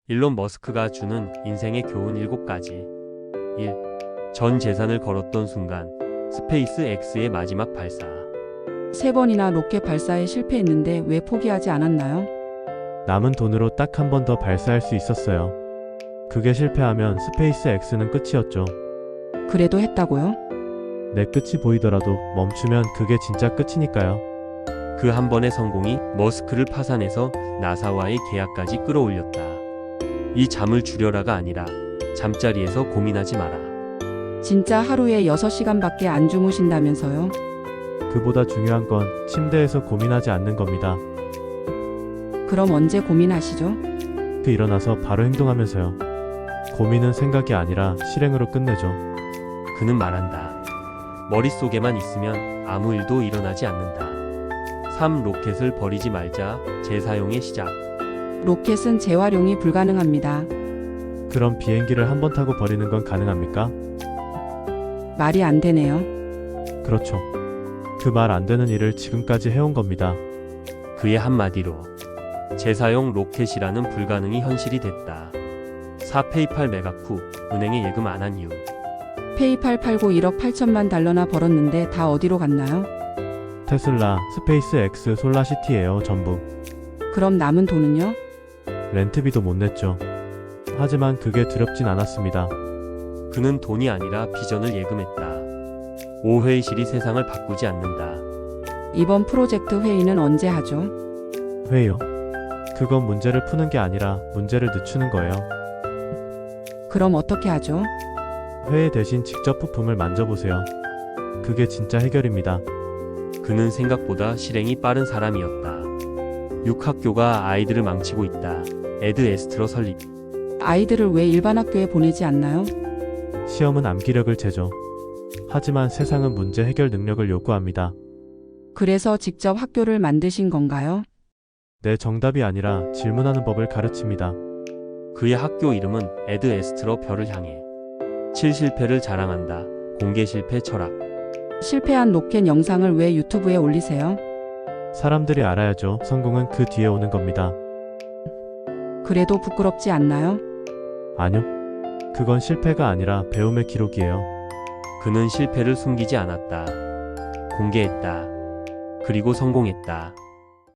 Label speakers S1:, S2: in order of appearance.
S1: 일론 머스크가 주는 인생의 교훈 7가지. 1. 전 재산을 걸었던 순간 스페이스 X의 마지막 발사.
S2: 3번이나 로켓 발사에 실패했는데 왜 포기하지 않았나요?
S3: 남은 돈으로 딱 한 번 더 발사할 수 있었어요. 그게 실패하면 스페이스 X는 끝이었죠.
S2: 그래도 했다고요?
S3: 내 끝이 보이더라도 멈추면 그게 진짜 끝이니까요.
S1: 그 한 번의 성공이 머스크를 파산해서 나사와의 계약까지 끌어올렸다. 이 잠을 줄여라가 아니라 잠자리에서 고민하지 마라.
S2: 진짜 하루에 6시간밖에 안 주무신다면서요?
S3: 그보다 중요한 건 침대에서 고민하지 않는 겁니다.
S2: 그럼 언제 고민하시죠?
S3: 그 일어나서 바로 행동하면서요. 고민은 생각이 아니라 실행으로 끝내죠.
S1: 그는 말한다. 머릿속에만 있으면 아무 일도 일어나지 않는다. 3. 로켓을 버리지 말자. 재사용의 시작.
S2: 로켓은 재활용이 불가능합니다.
S3: 그럼 비행기를 한 번 타고 버리는 건 가능합니까?
S2: 말이 안 되네요.
S3: 그렇죠. 그 말 안 되는 일을 지금까지 해온 겁니다.
S1: 그의 한마디로 재사용 로켓이라는 불가능이 현실이 됐다. 4. 페이팔 매각 후 은행에 예금 안 한 이유.
S2: 페이팔 팔고 1억 8천만 달러나 벌었는데 다 어디로 갔나요?
S3: 테슬라, 스페이스 X, 솔라시티예요, 전부.
S2: 그럼 남은 돈은요?
S3: 렌트비도 못 냈죠. 하지만 그게 두렵진 않았습니다.
S1: 그는 돈이 아니라 비전을 예금했다. 5. 회의실이 세상을 바꾸지 않는다.
S2: 이번 프로젝트 회의는 언제 하죠?
S3: 회의요. 그건 문제를 푸는 게 아니라 문제를 늦추는 거예요.
S2: 그럼 어떻게 하죠?
S3: 회의 대신 직접 부품을 만져보세요. 그게 진짜 해결입니다.
S1: 그는 생각보다 실행이 빠른 사람이었다. 6. 학교가 아이들을 망치고 있다. 에드 에스트러 설립.
S2: 아이들을 왜 일반 학교에 보내지 않나요?
S3: 시험은 암기력을 재죠. 하지만 세상은 문제 해결 능력을 요구합니다.
S2: 그래서 직접 학교를 만드신 건가요?
S3: 내 정답이 아니라 질문하는 법을 가르칩니다.
S1: 그의 학교 이름은 에드 에스트러 별을 향해. 7. 실패를 자랑한다. 공개 실패 철학.
S2: 실패한 로켓 영상을 왜 유튜브에 올리세요?
S3: 사람들이 알아야죠. 성공은 그 뒤에 오는 겁니다.
S2: 그래도 부끄럽지 않나요?
S3: 아니요. 그건 실패가 아니라 배움의 기록이에요.
S1: 그는 실패를 숨기지 않았다. 공개했다. 그리고 성공했다.